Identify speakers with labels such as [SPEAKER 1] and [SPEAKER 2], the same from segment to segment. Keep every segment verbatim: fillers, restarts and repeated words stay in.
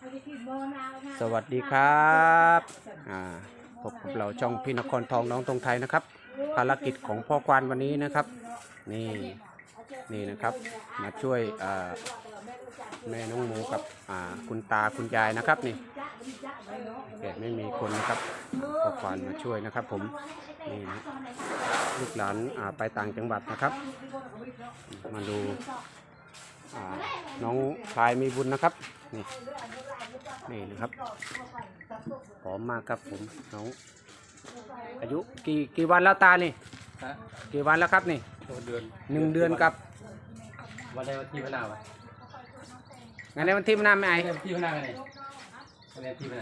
[SPEAKER 1] สวัสดีครับพบกับเราช่องพี่นครทองน้องตรงไทยนะครับภารกิจของพ่อควานวันนี้นะครับนี่นี่นะครับมาช่วยแม่น้องหมูกับคุณตาคุณยายนะครับนี่แกไม่มีคนนะครับพ่อควานมาช่วยนะครับผมนี่นะลูกหลานไปต่างจังหวัดนะครับมาดูน้องพลายมีบุญนะครับนี่นี่นะครับผอมมากครับผมน้องอายุกี่กี่วันแล้วตานี่กี่วันแล้วครับนี่เดือนหนึ่งเดือนกับ
[SPEAKER 2] วันใดวันที่พนาวะ
[SPEAKER 1] งานในวันที่พนาไม่ไอ
[SPEAKER 2] วันที่พนาไงวันที่พนา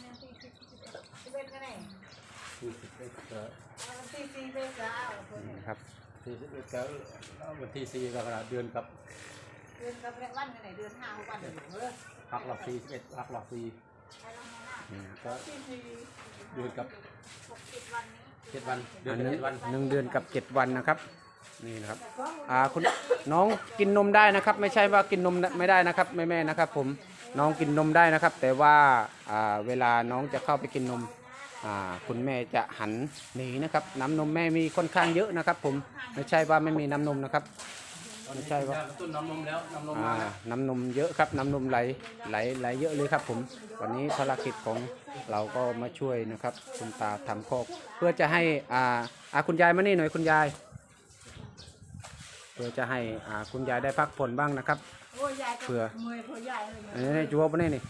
[SPEAKER 1] ครับ
[SPEAKER 2] ที่วันที่สี่กรกฎาคมเดือนกับ
[SPEAKER 3] เดือนกับวันไหนเดือนห้าวันเดือน
[SPEAKER 2] หักหลักสี่สิบเอ็ดหักหลักสี่ก็เดือนกับเจ็ดวันเดือนเจ็ดวัน
[SPEAKER 1] หนึ่งเดือนกับเจ็ดวันนะครับนี่นะครับอ่าคุณน้องกินนมได้นะครับไม่ใช่ว่ากินนมไม่ได้นะครับแม่แม่นะครับผมน้องกินนมได้นะครับแต่ว่าอ่าเวลาน้องจะเข้าไปกินนมอ่าคุณแม่จะหันหนีนะครับน้ำนมแม่มีค่อนข้างเยอะนะครับผมไม่ใช่ว่าไม่มีน้ำนมนะครับไม่ใช่ว่า
[SPEAKER 2] ต้นน้ำนมแล้วน้ำนม
[SPEAKER 1] อ่าน้ำนมเยอะครับน้ำนมไหลไหลไหลเยอะเลยครับผมวันนี้ภารกิจของเราก็มาช่วยนะครับคุณตาทำคอกเพื่อจะให้อ่าอ่าคุณยายมานี่หน่อยคุณยายเพื่อจะให้อ่าคุณยายได้พักผ่อนบ้างนะครับเพื่ออันนี้จัวปะนี่นี่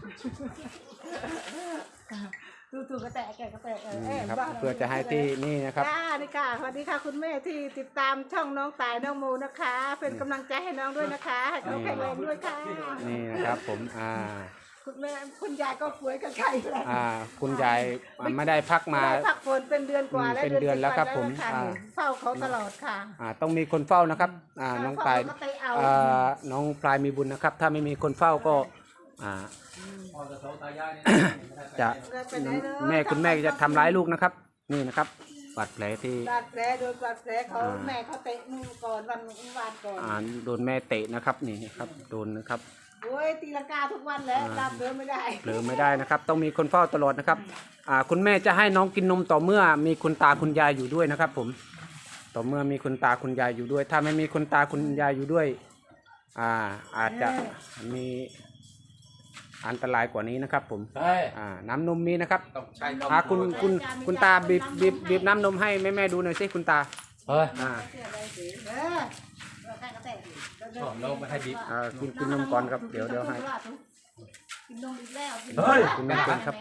[SPEAKER 3] ดูถูกกระแตกกระแตกเออ
[SPEAKER 1] ครับเพื่อจะให้ที่นี่นะครับ
[SPEAKER 3] ค่ะนี่ค่ะสวัสดีค่ะคุณแม่ที่ติดตามช่องน้องตายน้องมูนะคะเป็นกำลังใจให้น้องด้วยนะคะให้น้องแข็งแรงด้วยค่ะ
[SPEAKER 1] นี่นะครับผมอ่า
[SPEAKER 3] คุณแม่คุณยายก็ป่วยกับไข้
[SPEAKER 1] อ่าคุณยายไม่ได้พักมา
[SPEAKER 3] พักผ่อนเป็นเดือนกว่าแล้ว
[SPEAKER 1] เป็นเดือนแล้วครับผม
[SPEAKER 3] เฝ้าเขาตลอดค่ะ
[SPEAKER 1] อ่าต้องมีคนเฝ้านะครับอ่าน้องตายอ่าน้องพลายมีบุญนะครับถ้าไม่มีคนเฝ้าก็อ่าจะแม่คุณแม่จะทำร้ายลูกนะครับนี่นะครับบาดแผลที่
[SPEAKER 3] บาดแผลโดนบาดแผลเขาแม่เขาเตะมือก่อนวันวานก่อน
[SPEAKER 1] อ่าโดนแม่เตะนะครับนี่ครับโดนนะครับ
[SPEAKER 3] โอ้ยตีลังกาทุกวันแล้วตามเดินไม่ได้
[SPEAKER 1] เดินไม่ได้นะครับต้องมีคนเฝ้าตลอดนะครับอ่าคุณแม่จะให้น้องกินนมต่อเมื่อมีคุณตาคุณยายอยู่ด้วยนะครับผมต่อเมื่อมีคุณตาคุณยายอยู่ด้วยถ้าไม่มีคุณตาคุณยายอยู่ด้วยอ่าอาจจะมีอันตรายกว่านี้นะครับผมอ่าน้ำนมมีนะครับอ่าคุณคุณคุณตาบีบบีบบีบน้ำนมให้แม่แม่ดูหน่อยสิคุณตา
[SPEAKER 2] เฮ้ย
[SPEAKER 1] อ่า
[SPEAKER 2] เราไม่ให้บีบ
[SPEAKER 1] อ่ากินกินนมก่อนครับเดี๋ยวเดี๋ยวให้
[SPEAKER 3] กินนมอีกแล้ว
[SPEAKER 1] เฮ้ยกินนมก่อนครับ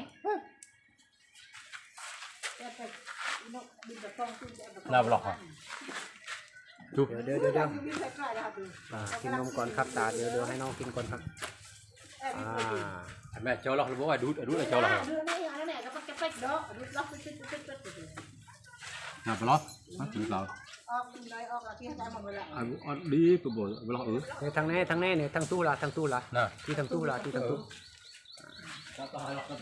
[SPEAKER 2] เราหลอกอ่ะ
[SPEAKER 1] เดี๋ยวเดี๋ยวเดี๋ยวเดี๋ยวกินนมก่อนครับตาเดี๋ยวเดี๋ยวให้น้องกินก่อนครับ
[SPEAKER 2] อ่าแม่เจ้าหลอกหรือว่าดูดูอะไรเจ้าหลอกน่าไปหรอมาถึงเรา
[SPEAKER 3] ออกได้ออกที่ให้ได้หมดเลย
[SPEAKER 2] อ่ะดีไปบ่ไปหรอเออ
[SPEAKER 1] ในทางแน่ทางแน่เนี่ยทางตู้ละทางตู้ละที่ทางตู้ละที่ทางตู้
[SPEAKER 2] ไอ้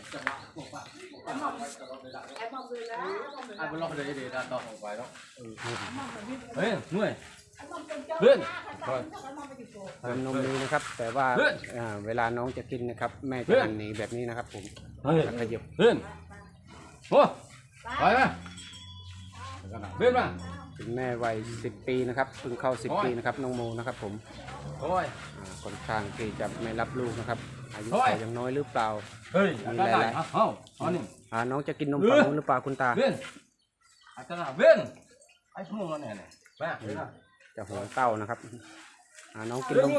[SPEAKER 2] บอลล็อกเลยเดี๋ยวต่อไปแล้วเฮ้ยเหนื่อยเลื่อน
[SPEAKER 1] น้ำนมนี้นะครับแต่ว่าเวลาน้องจะกินนะครับแม่จะหันหนีแบบนี้นะครับผมขยับ
[SPEAKER 2] เลื่อนโอ้ไปไหมเลื่อนมา
[SPEAKER 1] คุณแม่วัยสิบปีนะครับเพิ่งเข้าสิบปีนะครับน้องโมนะครับผม
[SPEAKER 2] โอ้ย
[SPEAKER 1] ค่อนข้างที่จะไม่รับลูกนะครับอายุเขายังน้อยหรือเปล่า
[SPEAKER 2] เฮ้ย
[SPEAKER 1] มีหลาย
[SPEAKER 2] ๆเอ้าอ๋อนี่
[SPEAKER 1] อ่าน้องจะกินนมฝั่งนู้นหรือเปล่าคุณตา
[SPEAKER 2] เลื่อนอาจารย์เลื่อนไอ้พวกนั้นเนี่ยแม่
[SPEAKER 1] จะหัวเต้านะครับอ่าน้องกินนม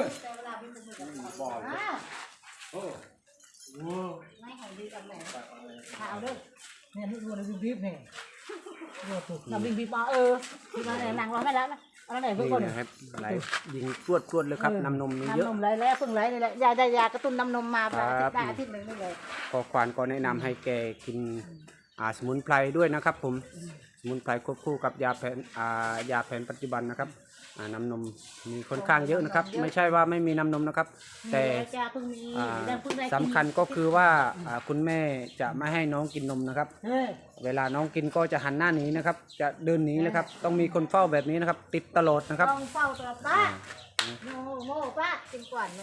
[SPEAKER 3] ไม่ให้ดีกันแม่ข่าวด้วยเนี่ยที่ดูในบีบเนี่ยเราบีบบีบมาเออบีบมาเนี่ยนางร้องไม่แล้วนะอะไรไหนเพื่อน
[SPEAKER 1] นี่นะครับไหลยิงตรวจตรวจเลยครับน้ำนมมีเยอะ
[SPEAKER 3] น้ำนมไหลแล้วเพิ่งไหลนี่แหละยาได้ยากระตุ้นน้ำนมมาได้อาทิตย์หนึ่งนี่เลย
[SPEAKER 1] พอควานก็แนะนำให้แกกินอ่าสมุนไพรด้วยนะครับผมสมุนไพรควบคู่กับยาแผนอ่ายาแผนปัจจุบันนะครับน้ำนมมีค่อนข้างเยอะนะครับไม่ใช่ว่าไม่มีน้ำนมนะครับแต่สำคัญก็คือว่าคุณแม่จะไม่ให้น้องกินนมนะครับเวลาน้องกินก็จะหันหน้าหนีนะครับจะเดินหนีนะครับต้องมีคนเฝ้าแบบนี้นะครับติดตลอดนะครับ
[SPEAKER 3] ต้องเฝ้าตลอดป้าโง่โง่ป้ากินก่อนไหม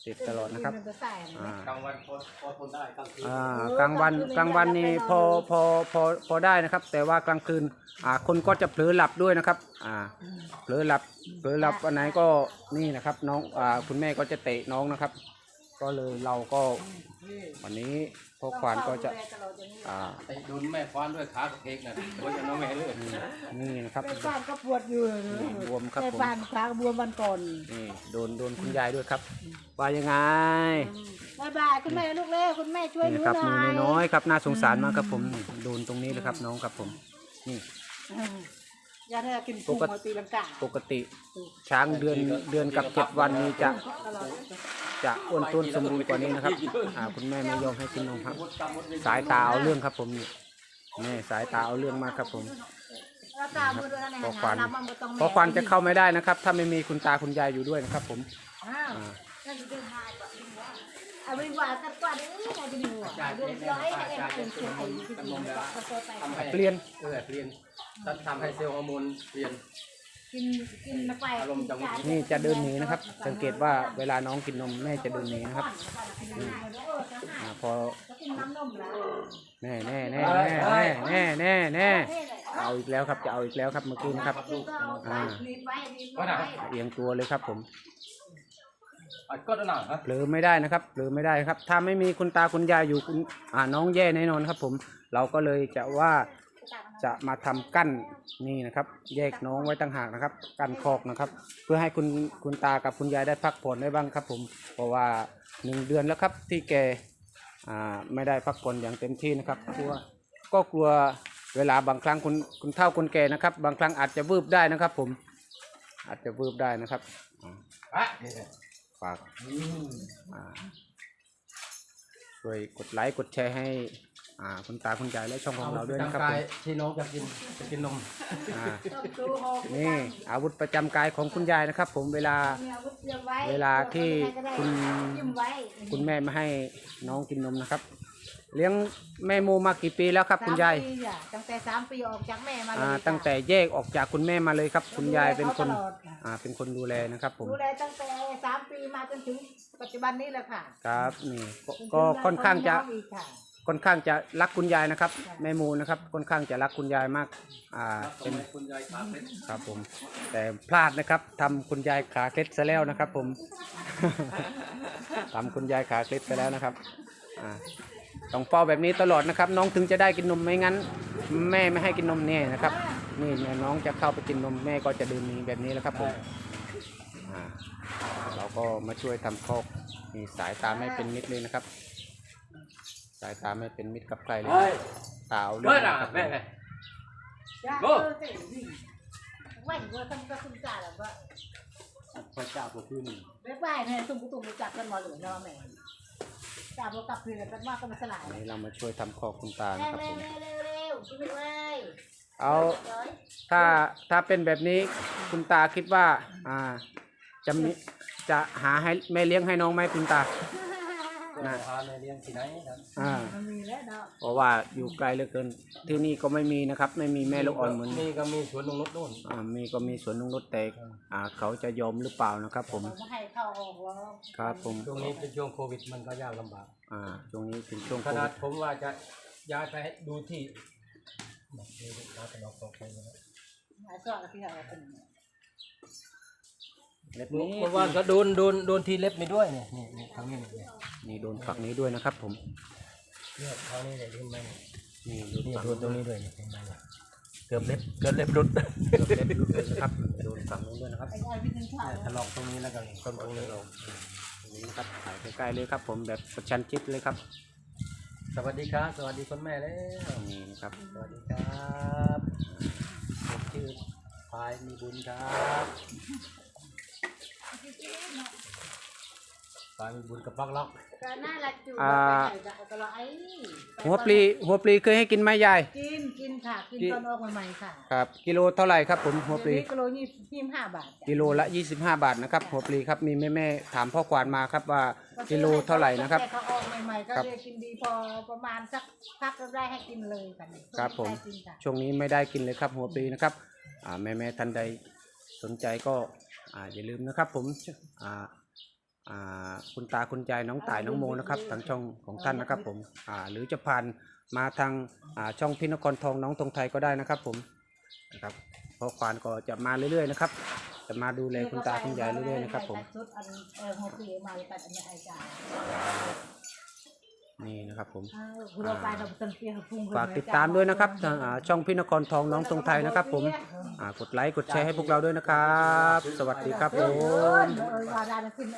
[SPEAKER 1] ติดตลอดนะครับ
[SPEAKER 3] มันจะใส่นะ
[SPEAKER 1] อ่า
[SPEAKER 2] กลางวันพอพอทนได้กลางคืน
[SPEAKER 1] อ่ากลางวันกลางวันนี่พอพอพอพอได้นะครับ แต่ว่ากลางคืนอ่าคนก็จะเผลอหลับด้วยนะครับอ่าเผลอหลับเผลอหลับวันไหนก็นี่นะครับน้องอ่าคุณแม่ก็จะเตะน้องนะครับ ก็เลยเราก็วันนี้พ่อควานก็จะอ่า
[SPEAKER 2] ไอ้โดนแม่ควานด้วยขากระเพกน่ะโดนอย่างน้องแม่เลย
[SPEAKER 1] นี่นะครับ
[SPEAKER 3] แม่บ้านก็ปวดอยู่เลย
[SPEAKER 1] บวมครับ
[SPEAKER 3] แม่
[SPEAKER 1] ผม
[SPEAKER 3] บ้านขากบวมวันก่อน
[SPEAKER 1] นี่โดนโดนคุณยายด้วยครับว่ายังไง
[SPEAKER 3] บายบายคุณแม่ลูกเล่คุณแม่ช่วยห
[SPEAKER 1] นี่
[SPEAKER 3] นู
[SPEAKER 1] นะครับ
[SPEAKER 3] ห
[SPEAKER 1] มื
[SPEAKER 3] น่
[SPEAKER 1] อ
[SPEAKER 3] อย
[SPEAKER 1] น้อยๆครับน่าสงสารมากครับผมโดนตรงนี้เลยครับน้องครับผมนี่
[SPEAKER 3] อืมยาเธอกินกุ้งมาตีลังกา
[SPEAKER 1] ปกติช้างเดือนเดือนกับเจ็ดวันนี้จะ
[SPEAKER 3] ตลอด
[SPEAKER 1] จะอ้วนต้วนสมบูรณ์กว่านี้นะครับอ่าคุณแม่ไม่ยอมให้กินนมครับ สายตาเอาเรื่องครับผมนี่แม่สายตาเอาเรื่องมากครับผม
[SPEAKER 3] แล้วตามือด้วยนะ
[SPEAKER 1] พอควัน
[SPEAKER 3] น้ำมันบ่ต้อง
[SPEAKER 1] เพราะควันจะเข้าไม่ได้นะครับ ถ้าไม่มีคุณตาคุณยายอยู่ด้วยนะครับผม
[SPEAKER 3] อ้าว
[SPEAKER 1] อ่า
[SPEAKER 3] นั่นคือหายกว่าดึงว่าเอาดึงว่ากันกว่านี้ไงจะดึงว่าเดือดร้อยให้เอ็มเป็นเชียงไอ้ที่ดึงว่าก็โตไป
[SPEAKER 2] ทำให้
[SPEAKER 1] เปลี่ยน
[SPEAKER 2] เออเปลี่ยนทำให้เซลล์ฮอร์โมนเปลี่ยน
[SPEAKER 3] กินกินไป
[SPEAKER 2] อารมณ์จังหวะ
[SPEAKER 1] นี่จะเดินหนีนะครับ สังเกตว่าเวลาน้องกินนมแม่จะเดินหนีนะครับอ่าพอ
[SPEAKER 3] กินน้ำนมแล้ว
[SPEAKER 1] แน่แน่แน่แน่แน่แน่แน่แน่เอาอีกแล้วครับจะเอาอีกแล้วครับเมื่อกี้นะครับอ่า
[SPEAKER 3] รีบไว้รีบ
[SPEAKER 2] ว่า
[SPEAKER 3] ไว้
[SPEAKER 2] น่ะ
[SPEAKER 1] เอียงตัวเลยครับผม
[SPEAKER 2] อ่ะก็หนาฮะ
[SPEAKER 1] เผลอไม่ได้นะครับเผลอไม่ได้ครับ ถ้าไม่มีคุณตาคุณยายอยู่คุณอ่าน้องแย่แน่นอนครับผมเราก็เลยจะว่าจะมาทำกั้นนี่นะครับ แยกน้องไว้ต่างหากนะครับ กั้นคอกนะครับ เพื่อให้คุณคุณตากับคุณยายได้พักผ่อนได้บ้างครับผมเพราะว่าหนึ่งเดือนแล้วครับที่แกอ่าไม่ได้พักผ่อนอย่างเต็มที่นะครับกลัวก็กลัวเวลาบางครั้งคุณคุณเฒ่าคุณแก่นะครับ บางครั้งอาจจะวืบได้นะครับ ผมอาจจะวืบได้นะครับอ่า
[SPEAKER 2] อ่ะ
[SPEAKER 1] ฝากอ่าช่วยกดไลค์กดแชร์ให้อ่าคุณตาคุณยายและช่องของเราด้วยนะครับ
[SPEAKER 2] กา
[SPEAKER 1] ผ
[SPEAKER 2] ย
[SPEAKER 1] ม
[SPEAKER 2] ที่น้องจะกินจะกินนม
[SPEAKER 1] อ่า
[SPEAKER 3] ต้องดูหก
[SPEAKER 1] นี่อาวุธประจำกายของคุณยายนะครับ ผมเวลา
[SPEAKER 3] มีอาวุธเตรียมไว้
[SPEAKER 1] เวลาที่คุณ
[SPEAKER 3] ยิ้มไว้
[SPEAKER 1] คุณแม่ไม่ให้น้องกินนมนะครับ เลี้ยงแม่โมมากี่ปีแล้วครับ คุณยาย
[SPEAKER 3] สมปีอะตั้งแต่สามปีออกจากแม่มาเลย
[SPEAKER 1] อ่า
[SPEAKER 3] ค่ะ
[SPEAKER 1] ตั้งแต่แยกออกจากคุณแม่มาเลยครับ คุณยายเป็นคน
[SPEAKER 3] ดูแลขาตลอดค่ะ
[SPEAKER 1] อ่าเป็นคนดูแลนะครับ ผม
[SPEAKER 3] ดูแลตั้งแต่สามปีมาจนถึงปัจจุบันนี้แหละค่ะ
[SPEAKER 1] ครับนี่ก็ก็ค่อนข้างจะ
[SPEAKER 3] จนถึน้องอีกค่ะ
[SPEAKER 1] ค่อนข้างจะรักคุณยายนะครับ แม่โมนะครับค่อนข้างจะรักคุณยายมากอ่า
[SPEAKER 2] ทำ
[SPEAKER 1] เป็น
[SPEAKER 2] ไมคุณยายขาเป็น
[SPEAKER 1] ครับผมแต่พลาดนะครับทำคุณยายขาเคล็ดซะแล้วนะครับ ผม ทำคุณยายขาเคล็ดซะแล้วนะครับอ่าต้องเฝ้าแบบนี้ตลอดนะครับ น้องถึงจะได้กินนมไม่งั้น แม่ไม่ให้กินนมเนี่ยนะครับ นี่แม่น้องจะเข้าไปกินนมแม่ก็จะเดินหนีแบบนี้แหล้วครับผมอ่าเราก็มาช่วยทำคอกนี่สายตาไม่เป็นมิตรเลยนะครับ สายตาไม่เป็นมิตรกับใครเลย
[SPEAKER 2] เฮ้ย
[SPEAKER 1] ตาเอาเรื่
[SPEAKER 2] เฮ้
[SPEAKER 1] อย ง
[SPEAKER 2] น่ะ
[SPEAKER 1] นะครับ
[SPEAKER 2] แม่
[SPEAKER 3] จ้า
[SPEAKER 2] โอ้
[SPEAKER 3] เออเจ๋งดิไหวว่าทำก็คุณจ่าแบบว่า
[SPEAKER 2] พระเจ้าตัวขึ้น
[SPEAKER 3] เรียกว่าแม่ตุ้มกุตุ้มรู้จักกันมาหรือเนาะแม่จ่าบอกกลับเพื่อนกันว่าก็มาสลาย
[SPEAKER 1] อันนี้เรามาช่วยทำคอกคุณตา
[SPEAKER 3] เร็
[SPEAKER 1] นะ
[SPEAKER 3] ว
[SPEAKER 1] ครับ
[SPEAKER 3] เร็
[SPEAKER 1] ผ
[SPEAKER 3] ว
[SPEAKER 1] ม
[SPEAKER 3] เร็วเร็วช่วยเลย
[SPEAKER 1] เอา ถ้าถ้าเป็นแบบนี้คุณตาคิดว่าอ่าจะมีจะหาให้แม่เลี้ยงให้น้องไหมคุณตา
[SPEAKER 2] นะพาในเลี้ยงที่ไหนครับ
[SPEAKER 1] อ่า
[SPEAKER 3] มันมีแล้วเนาะ
[SPEAKER 1] เพราะว่าอยู่ไกลเหลือเกินที่นี่ก็ไม่มีนะครับ ไม่มีแม่ลูกอ่อนเหมือน
[SPEAKER 2] มีก็มีสวนนงนุชนู่น
[SPEAKER 1] อ่ามีก็มีสวนนงนุชแต่อ่าเขาจะยอมหรือเปล่านะครับผม
[SPEAKER 3] ไม่ให้เข้าออกแล้ว
[SPEAKER 1] ครับผม
[SPEAKER 2] ช่วงนี้เป็นช่วงโควิดมันก็ยากลำบาก
[SPEAKER 1] อ่าช่วงนี้เป็นช่วง
[SPEAKER 2] ข
[SPEAKER 1] โค
[SPEAKER 2] นา
[SPEAKER 1] วิ
[SPEAKER 2] ด
[SPEAKER 1] ด
[SPEAKER 2] ผมว่าจะย้ายไปให้ดูที่แบบนี้เราจะลองตกไปนะ
[SPEAKER 3] หายสอดที่เราเป็น
[SPEAKER 1] เล็บนี้
[SPEAKER 2] เมื่อวานก็โดนโดนโดนที่เล็บนี่ด้วยเนี่ยนี่นี่ทางนี้เนี่ย
[SPEAKER 1] นี่โดนฝักนี้ด้วยนะครับ ผม
[SPEAKER 2] เนี่ยทางนี้เนี่ยเห็นไหม
[SPEAKER 1] นี่โดน
[SPEAKER 2] นี่
[SPEAKER 1] ฝัก
[SPEAKER 2] โดนตรงนี้ด้วยเนี่ยเห็นไหมเนี่ยเกือบเล็บเกือบเล็บรุด
[SPEAKER 1] เกือบเล็บหลุดเลยนะครับโดนฝักนู้นด้วยนะครับ
[SPEAKER 3] ไอ้ไอ้พี่นึงข่าว
[SPEAKER 2] เนี่ยถลอกตรงนี้แล้วก็ต้นตรงนี้ลง
[SPEAKER 1] ตรงนี้นะครับถ่ายใกล้ๆเลยครับ ผมแบบประชันชิดเลยครับ
[SPEAKER 2] สวัสดีครับสวัสดีคุณแม่แล้ว
[SPEAKER 1] นี่นะครับ
[SPEAKER 2] สวัสดีครับผมชื่อพายมีบุญครับพายมีบุญกับปักล็อก
[SPEAKER 3] ก็น่ารักจู
[SPEAKER 1] อ่า
[SPEAKER 3] ก็รอไอ้
[SPEAKER 1] หัวปลีหัวปลีเคยให้กินไหมยาย
[SPEAKER 3] กินกินค่ะกินตอนออกใหม่ๆค่ะ
[SPEAKER 1] ครับกิโลเท่าไหร่ครับผมหัวปลี
[SPEAKER 3] เดี๋ยวนี้กิโลยี่สิบห้าบาท
[SPEAKER 1] กิโลละยี่สิบห้าบาทนะครับหัวปลีครับมีแม่แม่ๆถามพ่อควานมาครับว่ากิโลเท่าไหร่นะครับ
[SPEAKER 3] แต่เขาออกใหม่ๆก็
[SPEAKER 1] ครับ
[SPEAKER 3] เรียกกินดีพอประมาณสักพักก็ได้ให้กินเลยค่ะ
[SPEAKER 1] ครับผม
[SPEAKER 3] ได้กินค่ะ
[SPEAKER 1] ช่วงนี้ไม่ได้กินเลยครับหัวปลีนะครับอ่าแม่แม่ๆท่านใดสนใจก็อ่าอย่าลืมนะครับ ผมอ่าอ่าคุณตาคุณยายน้องต่ายน้องโมนะครับทางช่องของท่านนะครับผมอ่าหรือจะผ่านมาทางอ่าช่องพี่นครทองน้องตรงไทยก็ได้นะครับผมนะครับพ่อควานก็จะมาเรื่อยๆนะครับจะมาดูแลคุณตาคุณยายเรื่อยๆนะครับผม
[SPEAKER 3] ชุดอันเออหัวปีมาเลยตัดอันนี้ไอ้จ่า
[SPEAKER 1] นี่นะครับผม
[SPEAKER 3] เออคุณเราไปเราเต็มเตี้ยพุ่ง
[SPEAKER 1] ฝากติดตามด้วยนะครับทางอ่าช่องพี่นครทองน้องตรงไทยนะครับผมอ่ากดไลค์กดแชร์ให้พวกเราด้วยนะครับ สวัสดีครับผม
[SPEAKER 3] เออเออว่าได้ขึ้น